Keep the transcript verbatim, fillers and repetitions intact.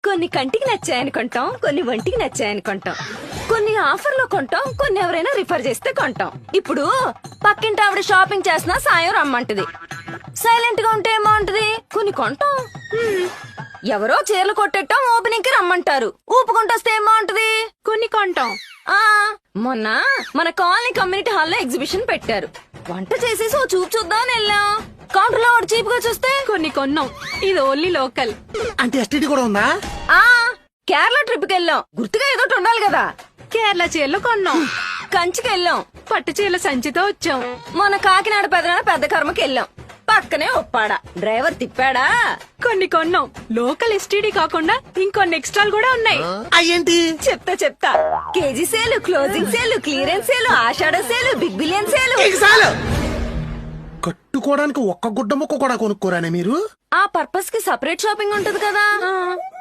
కొన్ని కంటికి నచ్చాయని కొంటాం, కొన్ని ఒంటికి నచ్చాయని కొంటాం, కొన్ని ఆఫర్ లో కొంటాం, కొన్ని ఎవరైనా రిఫర్ చేస్తే కొంటాం. ఇప్పుడు పక్కింటి ఆవిడ షాపింగ్ చేసినా సాయం రమ్మంటది. సైలెంట్ గా ఉంటే ఏమంటది? కొన్ని కొంటాం. హ్మ్. ఎవరో చీరలు కొట్టేటం ఓపెనింగ్ కి రమ్మంటారు. ఊపుకుంటొస్తే ఏమంటది? కొన్ని కొంటాం. ఆ మొన్న మన కాలనీ కమ్యూనిటీ హాల్లో ఎగ్జిబిషన్ పెట్టారు. వంట చేసేసి ఓ చూపు చూద్దామని వెళ్ళాం. కౌంటర్ లో ఒకటి చీప్ గా చూస్తే కొన్ని కొన్నాం. ఇది ఓన్లీ లోకల్. అంటే ఎస్టీడీ కూడా ఉందా? ఆ కేరళ ట్రిప్ కి వెళ్ళాం. గుర్తుగా ఏదో ఒకటి ఉండాలి కదా. కేరళ చీరలు కొన్నాం. కంచికి వెళ్ళాం. పట్టు చీరల సంచితో వచ్చాం. మన కాకినాడ పెదనాడ పెద్ద కర్మకి వెళ్ళాం. పక్కనే ఒప్పాడా డ్రైవర్ తిప్పాడా. కొన్ని కొన్నాం. లోకల్ ఎస్టీడీ కాకుండా ఇంకొన్ని ఎక్స్ట్రాలు కూడా ఉన్నాయి. అయ్యేంటి? చెప్తా చెప్తా. KG sale, closing sale, clearance sale, ఆషాఢ సేలు, బిగ్ బిలియన్ సేలు. ఇక చాలు. కట్టుకోవడానికి ఒక్క గుడ్డ ముక్క కూడా కొనుక్కోరానే మీరు? ఆ పర్పస్ కి సపరేట్ షాపింగ్ ఉంటది కదా.